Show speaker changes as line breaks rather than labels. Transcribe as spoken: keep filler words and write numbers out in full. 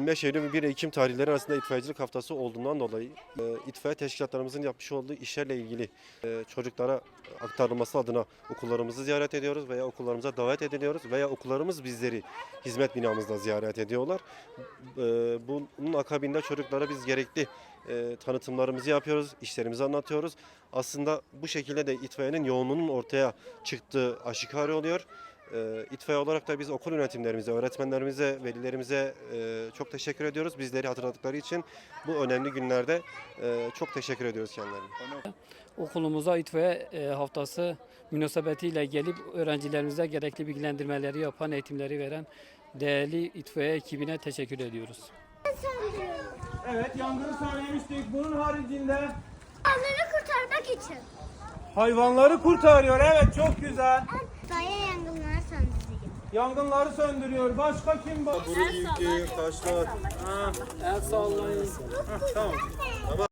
yirmi beş Eylül ve bir Ekim tarihleri arasında itfaiyecilik haftası olduğundan dolayı e, itfaiye teşkilatlarımızın yapmış olduğu işlerle ilgili e, çocuklara aktarılması adına okullarımızı ziyaret ediyoruz veya okullarımıza davet ediliyoruz veya okullarımız bizleri hizmet binamızda ziyaret ediyorlar. E, bunun akabinde çocuklara biz gerekli e, tanıtımlarımızı yapıyoruz, işlerimizi anlatıyoruz. Aslında bu şekilde de itfaiyenin yoğunluğunun ortaya çıktığı aşikar oluyor. E, itfaiye olarak da biz okul yönetimlerimize, öğretmenlerimize, velilerimize e, çok teşekkür ediyoruz. Bizleri hatırladıkları için bu önemli günlerde e, çok teşekkür ediyoruz kendilerine.
Okulumuza itfaiye e, haftası münasebetiyle gelip öğrencilerimize gerekli bilgilendirmeleri yapan, eğitimleri veren değerli itfaiye ekibine teşekkür ediyoruz.
Evet, yangını söylemiştik. Bunun haricinde
Hayvanları kurtarmak için.
hayvanları kurtarıyor. Evet, çok güzel.
Daya yangınlar söndürüyor.
Yangınları söndürüyor. Başka kim var?
Kuru yükü, taşlar.
Ha,
El sallayın.
tamam.